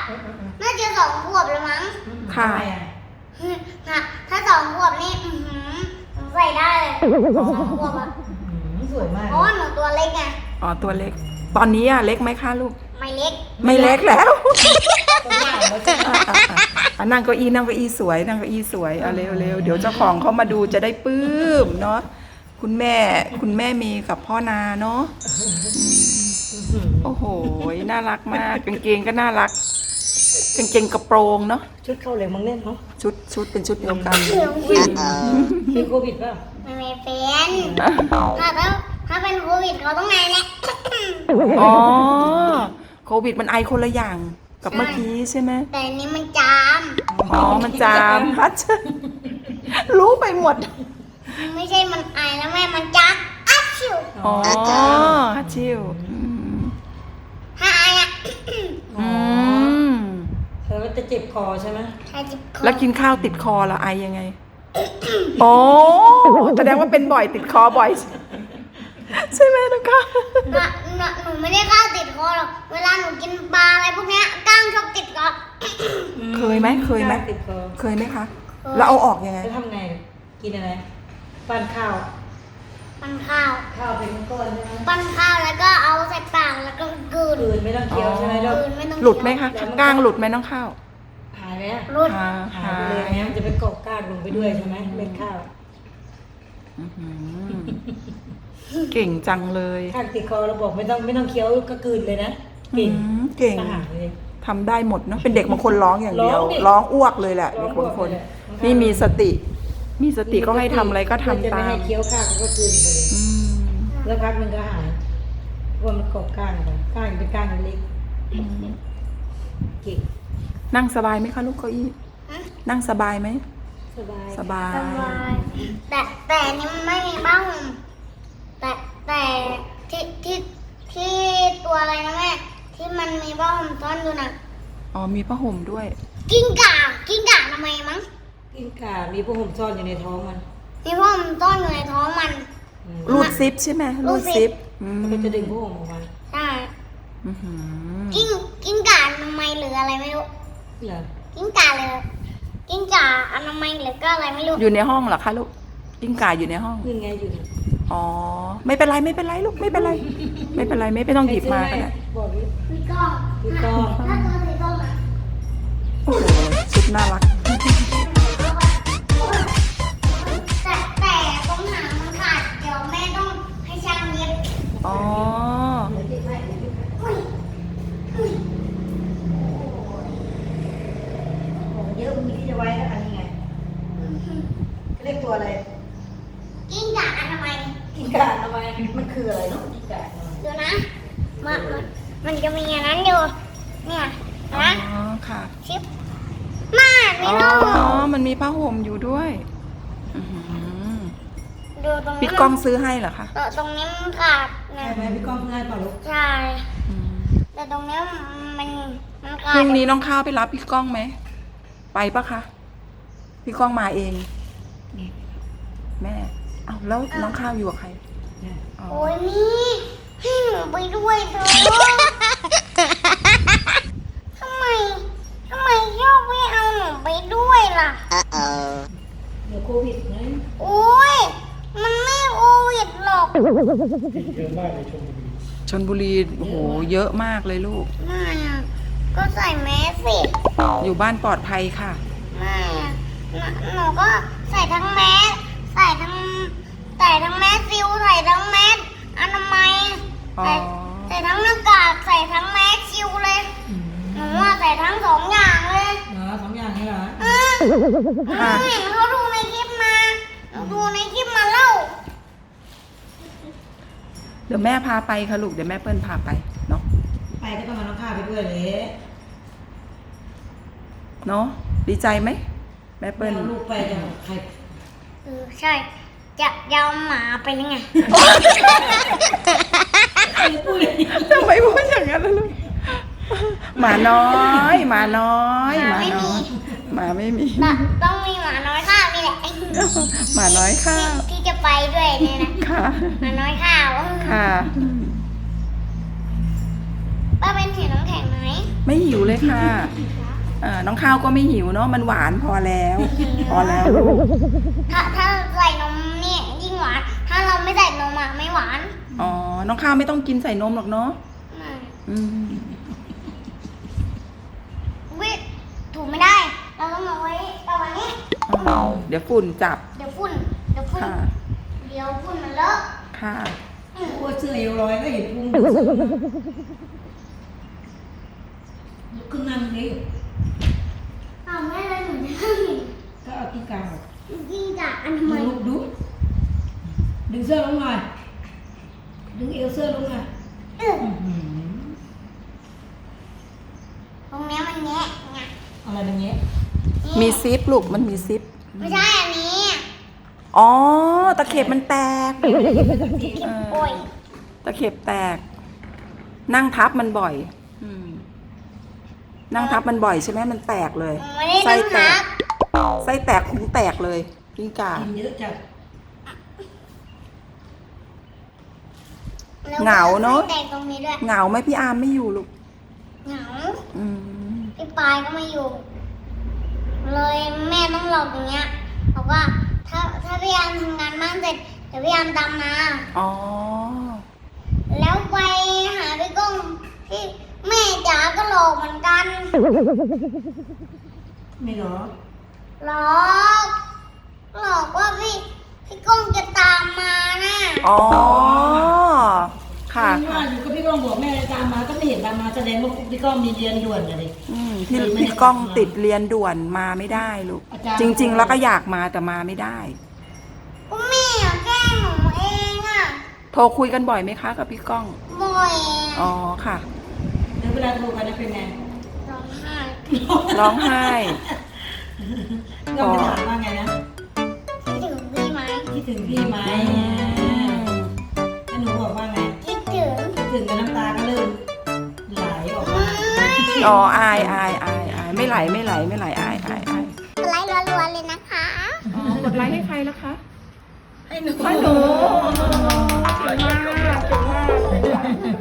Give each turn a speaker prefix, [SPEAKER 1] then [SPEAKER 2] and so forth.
[SPEAKER 1] น่าจะ2 ขวบแล้วมั้ง
[SPEAKER 2] ค่ะ
[SPEAKER 1] ถ้า2 ขวบนี่ใส่ได้เลย2 ขวบอะ
[SPEAKER 3] สวยมาก
[SPEAKER 1] เพราะว่าหนูตัวเล็กไง
[SPEAKER 2] อ๋อตัวเล็ก ตอนนี้อะเล็กไหมคะลูก
[SPEAKER 1] ไม่เล็ก
[SPEAKER 2] ไม่เล็กแล้ว
[SPEAKER 3] ตัวใหญ่แล้วจ้ะ
[SPEAKER 2] นั่งเก้าอี้สวยนั่งเก้าอี้สวยเอาเร็วเดี๋ยวเจ้าของเขามาดูจะได้ปลื้มเนาะคุณแม่มีกับพ่อนาเนาะโอ้โหน่ารักมากกางเกงก็น่ารักกางเกงกระโปรงเนาะ
[SPEAKER 3] ชุดเข้าเหลวมังเล่นเนาะ
[SPEAKER 2] ชุดเป็นชุดเดียวกัน
[SPEAKER 3] มีโควิดป่ะ
[SPEAKER 1] ไม่เป็นถ้าเป็นโควิดเขาต้องไงเนี่ย
[SPEAKER 2] อ๋อโควิดมันไอคนละอย่างกับเมื่อกี้ใช่ไหม
[SPEAKER 1] แต่อันนี้มันจาม
[SPEAKER 2] อ๋อมันจามฮัทรู้ไปหมด
[SPEAKER 1] ไม่ใช่มันไอแล้วแม่มันจักอัดชิว
[SPEAKER 2] อ๋อฮัทชิว
[SPEAKER 1] ถ้าไออะ
[SPEAKER 2] อืม
[SPEAKER 3] เธอก็จะเจ็บคอใช่ไหม
[SPEAKER 1] ถ้าจิบคอ
[SPEAKER 2] แล้วกินข้าวติดคอแล้วไอยังไงอ๋อแสดงว่าเป็นบ่อยติดคอบ่อย ใช่ไหมนะคะ
[SPEAKER 1] หนูไม่ได้ข้าวติดคอหรอกเวลาหนูกินปลาอะไรพวกเนี้ยก้างชอบติดคอ
[SPEAKER 2] เคยไหม
[SPEAKER 3] ติดคอ
[SPEAKER 2] เคยไหมคะ แล้วเอาออกยังไง
[SPEAKER 3] จะทำไง กินอะไร ปั้นข้าว
[SPEAKER 1] ปั้นข้าว
[SPEAKER 3] ข้าวเป็นก้อนใช่ไหม
[SPEAKER 1] ปั้นข้าวแล้วก็เอาใส่ปากแล้วก็กลืน
[SPEAKER 3] อื่นไม่ต้องเคี้ยวใช่ไหมลูก
[SPEAKER 1] กลืนไม่ต้อง
[SPEAKER 2] หลุดไหมคะก้างหลุดไหมน้องข้าว
[SPEAKER 3] หายไหมอะ
[SPEAKER 1] หลุด
[SPEAKER 3] หายไปเลยนะมันจะไปเกาะก้างลงไปด้วยใช่ไหมเม็ดข้าว
[SPEAKER 2] อื้อหือเก่งจังเลย
[SPEAKER 3] ข้างติดคอเราบอกไม่ต้องเคี้ยวก็กลืนเลยนะเก่ง
[SPEAKER 2] เก่ง
[SPEAKER 3] อาหารเลย
[SPEAKER 2] ทำได้หมดเนาะเป็นเด็กบางคนร้องอย่างเดียว
[SPEAKER 3] ร้องดิ
[SPEAKER 2] ร้องอ้วกเลยแหละ
[SPEAKER 3] ร้อ
[SPEAKER 2] เด็
[SPEAKER 3] ง
[SPEAKER 2] กบางคน
[SPEAKER 3] อ้วกเลย
[SPEAKER 2] นี่มีสติก็ให้ทำอะไรก็ทำ
[SPEAKER 3] จะไม่
[SPEAKER 2] ตาม
[SPEAKER 3] ให้เคี้ยวข้าวก็กลืนไปเลย
[SPEAKER 2] อืม
[SPEAKER 3] แล้วพักมันก็หายเพราะว่ามันเกาะก้างไปก้างเป็นก้างเล็กเก่ง
[SPEAKER 2] นั่งสบายไหมคะลูกเก้าอี้นั่งสบายไหม
[SPEAKER 3] สบาย
[SPEAKER 2] สบาย
[SPEAKER 1] สบายแต่อันนี้มันไม่มีบ้าห่มแต่ที่ตัวอะไรนะแม่ที่มันมีบ้าห่มซ่อนอยู่น่ะ
[SPEAKER 2] อ๋อมีผ้าห่มด้วย
[SPEAKER 1] กิ้งก่าทำไมมั้ง
[SPEAKER 3] กิ้งก่ามีพวกผมซ่อนอยู่ในท้องมัน
[SPEAKER 1] มีบ้าห่มซ่อนอยู่ในท้องมัน
[SPEAKER 2] รูดซิปใช่ไหม
[SPEAKER 1] รู
[SPEAKER 2] รู
[SPEAKER 1] ด
[SPEAKER 2] ด
[SPEAKER 1] ซิ
[SPEAKER 2] ซิ
[SPEAKER 1] ป
[SPEAKER 2] ปอืม
[SPEAKER 3] มันก็จะดึงพวกผมออกมา
[SPEAKER 1] ใช่
[SPEAKER 2] อื้อหือ
[SPEAKER 1] กิ้งก่าอนามัยหรืออะไรไม่รู้
[SPEAKER 3] เหรอ
[SPEAKER 1] กิ้งก่าเลยกิ้งก่าอนามัยหรือก็อะไรไม่รู้
[SPEAKER 2] อยู่ในห้องเหรอคะลูกกิ้งก่าอยู่ในห้อง
[SPEAKER 3] นี่ไงอยู่เนี่ย
[SPEAKER 2] อ๋อไม่เป็นไรลูกไม่เป็นไรไม่ต้องหยิบมาก็ได้
[SPEAKER 3] บอกดิ
[SPEAKER 1] พี่ก้อง
[SPEAKER 3] พี่ก้อง
[SPEAKER 1] ถ้าตัวสีส้มอะ
[SPEAKER 2] โอ้โหชุดน่ารัก
[SPEAKER 1] แต่ตรงหางมันขาดเดี๋ยวแม่ต้องให้ช่างเย็บ
[SPEAKER 2] อ๋อ
[SPEAKER 3] ของเยอะมีที่จะไว้แล้วอันนี้ไงเรียกตัวอะไร
[SPEAKER 1] กิ้งก่าอนามัย
[SPEAKER 3] กิ้งก่าทำไมมันคืออะไรเนาะกิ้งก่า
[SPEAKER 1] เดี๋ยวนะมันจะมีอันนั้นอยู่เนี่ย
[SPEAKER 2] อ๋อ
[SPEAKER 1] นะ
[SPEAKER 2] ค่ะ
[SPEAKER 1] ชิปมาไม่
[SPEAKER 2] อ๋อ
[SPEAKER 1] รู้
[SPEAKER 2] มันมีผ้าห่มอยู่ด้วยอื้อหือ
[SPEAKER 1] ดูตรงนี้
[SPEAKER 2] พี่ก้องซื้อให้เหรอคะ
[SPEAKER 1] ตรงนี้มันขาดนะ
[SPEAKER 3] ใช่ไหมพี่ก้องง่ายกว่าลูก
[SPEAKER 1] ใช่
[SPEAKER 2] อืม
[SPEAKER 1] แต่ตรงนี้มัน
[SPEAKER 2] พ
[SPEAKER 1] ขาด
[SPEAKER 2] รุ่งนี้น้องข้าวไปรับพี่ก้องไหมไปปะคะพี่ก้องมาเองแม่เอาแล้วน้องข้าวอยู่กับใคร
[SPEAKER 3] เนี่ย
[SPEAKER 2] อ๋อ
[SPEAKER 1] โอ้ยนี่ให้หนูไปด้วยเถอะทำไมโยกไม่เอาหนูไปด้วยล่ะ
[SPEAKER 3] เดี๋ยวโควิดไง
[SPEAKER 1] โอ้ยมันไม่โควิดหรอก
[SPEAKER 2] ชลบุรีโอ้โหเยอะมากเลยลูก
[SPEAKER 1] ไม่อะก็ใส่แมสสิ
[SPEAKER 2] อยู่บ้านปลอดภัยค่ะ
[SPEAKER 1] ไม่อะหนูก็ใส่ทั้งแมสใส่ทั้งแมสซิลใส่ทั้งแมสอนามัย
[SPEAKER 2] อ๋อ
[SPEAKER 1] ใส่ทั้งหน้ากากใส่ทั้งแมสซิลเลยหนูว่าใส่ทั้ง2 อย่างเลย
[SPEAKER 3] เหรอ2 อย่างนี่เหรอ
[SPEAKER 2] ค่ะ
[SPEAKER 1] เห็นเขาดูในคลิปมาหนูดูในคลิปมาเล่า
[SPEAKER 2] เดี๋ยวแม่พาไปค่ะลูกเดี๋ยวแม่เปิ้ลพาไปเนาะ
[SPEAKER 3] ไปก็ต้องมาน้องข้าวไปด้วยเลย
[SPEAKER 2] เนาะดีใจไหมแม่เปิ้ล
[SPEAKER 3] เอาลูกไปจะใคร
[SPEAKER 1] ใช่จะยาวหมาไปยังไง
[SPEAKER 3] พูดเลย
[SPEAKER 2] ทำไมพูดอย่างนั้นล่ะลูกหมาน้อยหมาน้อยหมาน้อยหมาไม่มี
[SPEAKER 1] ต้องมีหมาน้อยข้าวนี่แหละ
[SPEAKER 2] หมาน้อยข้าว
[SPEAKER 1] ที่จะไปด้วยเนี่ยนะ
[SPEAKER 2] ค่ะ
[SPEAKER 1] หมาน้อยข้าว
[SPEAKER 2] ค่ะ
[SPEAKER 1] ป้าเป็นถือน้ำแข็งไหม
[SPEAKER 2] ไม่หิวเลยค่ะน้องข้าวก็ไม่หิวเนาะมันหวานพอแล้ว พอแล้วลูก
[SPEAKER 1] ถ้าใส่นมเนี่ยยิ่งหวาน ถ้าเราไม่ใส่นมอะไม่หวาน
[SPEAKER 2] อ๋อน้องข้าวไม่ต้องกินใส่นมหรอกเนาะ
[SPEAKER 1] ไม่
[SPEAKER 2] อืม
[SPEAKER 1] วิถูไม่ได้ เราต้องเอาไว้ประมาณนี้
[SPEAKER 2] เดี๋ยวฝุ่นจับ
[SPEAKER 1] เดี๋ยวฝุ่น
[SPEAKER 2] ค่ะ
[SPEAKER 1] เดี๋ยวฝุ่นมันเลอะ
[SPEAKER 2] ค่ะ
[SPEAKER 3] โอ้เสื้อเอวลอยก็เห็นพุงลุกขึ้นนั่งดิ
[SPEAKER 1] อ้าวแม่เลยหนูจะนั่ง
[SPEAKER 3] ก็เอาที่กลาง
[SPEAKER 1] ยิ่งจากอันทำไม
[SPEAKER 3] ลุกดูดึงเสื้อลงหน่อยดึงเอวเสื้อลงหน่อย
[SPEAKER 1] ตรงเนี้ยมันแงะไง
[SPEAKER 3] อะไรแบบนี้
[SPEAKER 2] มีซิปลูกมันมีซิป
[SPEAKER 1] ไม่ใช่อันนี้
[SPEAKER 2] อ๋อตะเข็บมันแตก
[SPEAKER 1] โอ้ย
[SPEAKER 2] ตะเข็บแตก นั่งทับมันบ่อย นั่งทับมันบ่อยใช่ไหมมันแตกเลย
[SPEAKER 1] ไม่ได้
[SPEAKER 2] ไส้
[SPEAKER 1] นั่ง
[SPEAKER 2] แต
[SPEAKER 1] ทั
[SPEAKER 2] ก
[SPEAKER 1] บ
[SPEAKER 2] ไส้แตกพุงแตกเลยกิ้งก่า
[SPEAKER 3] กินเยอะจัด
[SPEAKER 1] แล้ว
[SPEAKER 2] เหงาเนอะ
[SPEAKER 1] ไส้แตกตรงนี้ด้วย
[SPEAKER 2] เหงาไหมพี่อาร์มไม่อยู่ลูก
[SPEAKER 1] เหงา
[SPEAKER 2] อืม
[SPEAKER 1] พี่ปายก็ไม่อยู่ เลยแม่ต้องหลอกอย่างเงี้ยบอกว่าถ้าพี่ยามทำงานบ้านเสร็จเดี๋ยวพี่ยามตามมา
[SPEAKER 2] อ๋อ
[SPEAKER 1] แล้วไปหาพี่ก้องที่แม่จ๋าก็หลอกเหมือนกัน
[SPEAKER 3] ไม่หรอ
[SPEAKER 1] หลอกว่าพี่ก้องจะตามมานะ
[SPEAKER 2] อ๋อ ค่ะ
[SPEAKER 3] ว่าอยู่กับพี่ก้องบอกแม่ตามมาก็ไม่เห็นตามมาแสดงว่าพี่ก้องมีเรียนด่วนเลย
[SPEAKER 2] พี่ก้องติดเรียนด่วนมาไม่ได้ลูก
[SPEAKER 3] อาจารย์
[SPEAKER 2] จริง ๆ แล้วก็อยากมาแต่มาไม่ได้
[SPEAKER 1] ก็แม่อะแกล้งหนูเองอะ
[SPEAKER 2] โทรคุยกันบ่อยไหมคะกับพี่ก้อง
[SPEAKER 1] บ่อย
[SPEAKER 2] อ๋อ ค่ะ
[SPEAKER 3] แล้วเวลาโทรกันเป็นไง
[SPEAKER 1] ร้องไห้
[SPEAKER 2] ร้องไห้
[SPEAKER 3] ก็ไปถามว่าไงนะ
[SPEAKER 1] คิดถึงพี่ไหม
[SPEAKER 3] คิดถึงพี่ไหมถ้าหนูบอกว่าไง
[SPEAKER 1] คิดถึง
[SPEAKER 3] คิดถึงกับน้ำตาก็เริ่มไหลออกมา
[SPEAKER 2] อ๋อ อายไม่ไหล อาย
[SPEAKER 1] ไลค์รัวๆเลยนะคะ
[SPEAKER 2] อ๋อกดไลค์ให้ใครแล้วคะ
[SPEAKER 3] ให้หนู
[SPEAKER 2] ให้หนูเก่งมากเก่งมาก